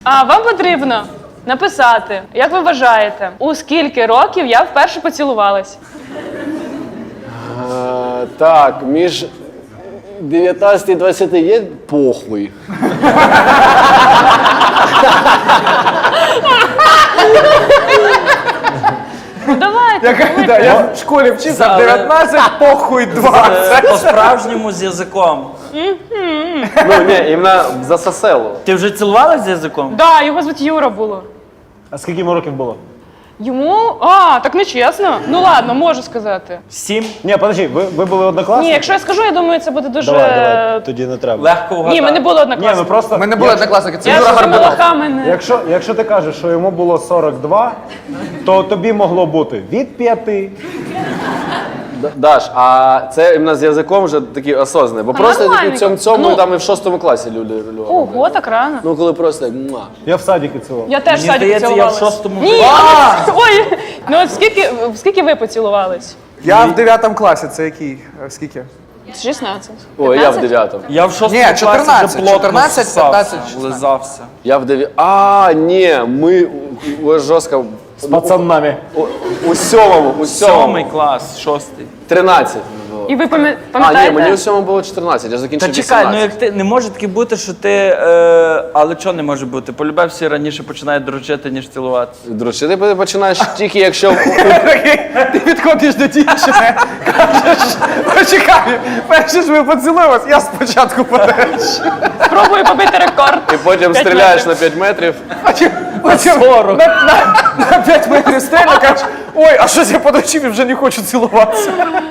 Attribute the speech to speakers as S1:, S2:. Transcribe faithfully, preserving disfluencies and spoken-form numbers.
S1: А вам потрібно написати, як ви вважаєте, у скільки років я вперше поцілувалась?
S2: А, так, між дев'ятнадцяти і двадцяти є похуй.
S1: Ну давайте.
S3: Я,
S1: давайте.
S3: да, я в школі вчився,
S4: Але-
S3: дев'ятнадцять, похуй, двадцять.
S4: По-справжньому з язиком.
S2: Ну, ні, іменно за соселу.
S4: Ти вже цілувалась з язиком?
S1: Да, його звуть Юра було.
S5: А скільки йому років було?
S1: Йому? А, так не чесно. Ну ладно, можу сказати.
S4: Сім?
S5: Ні, подожди, ви, ви були однокласники?
S1: Ні, якщо я скажу, я думаю, це буде дуже.
S5: Давай, давай, тоді не треба.
S4: Легко вгадати.
S1: Ні, ми не були
S5: Ні, ми
S1: однокласники.
S5: просто...
S3: Ми не були
S5: якщо-
S3: однокласники, це
S1: Я
S3: Юра
S1: ж за
S3: Горбунов.
S1: молоками не.
S5: Якщо, якщо ти кажеш, що йому було сорок два, то тобі могло бути від п'яти.
S2: Д- Даш, а це іменно з язиком вже такий осознаний. Бо просто
S1: нормально.
S2: такі в цьому, цьому
S1: Ну.
S2: там і в шостому класі люди роблять.
S1: Ого, так рано.
S2: Ну, коли просто як, муа.
S5: Я в садіки цілував.
S1: Я теж в
S4: Мені
S1: саді
S4: здається, я в
S1: поцілувалась.
S4: шостому
S1: Ні,
S4: вже.
S1: але- ой, ну от скільки, скільки ви поцілувались?
S3: Я в дев'ятому класі, це який? Е, Скільки?
S1: шістнадцять.
S2: Ой, я в
S1: п'ятнадцять?
S2: дев'ятому.
S4: Я в шостому
S3: Ні,
S4: класі
S3: чотирнадцять,
S4: вже плотно
S3: чотирнадцять,
S4: ссався,
S3: п'ятнадцять, шістнадцять.
S4: лизався.
S2: Я в дев'ятому. А, ні, ми у- у- жорстко.
S5: З пацанами.
S2: У, у сьомому, у
S4: Сьомий
S2: сьомому.
S4: клас, шостий.
S2: тринадцять було.
S1: І ви пам'я-
S2: А, ні,
S1: пам'ятаєте?
S2: мені у сьомому було чотирнадцять, я закінчив
S4: Та чекай, ну
S2: вісімнадцять.
S4: як ти не може таки бути, що ти. Е, але чого не може бути? Полюбе всі раніше починають дрочити, ніж цілуватися.
S2: Друзі, ти починаєш тільки якщо...
S3: Ти підходиш до дівчини, кажеш, почекай, перше ж ми поцілуємось, я спочатку подальше.
S1: Спробую побити рекорд.
S2: І потім
S1: П'ять
S2: стріляєш
S1: метрів.
S2: на п'ять метрів.
S3: Потім, потім
S4: сорок.
S3: на, на, на п'ять метрів стрельну, кажеш, ой, а щось я подрочив і вже не хочу цілуватися.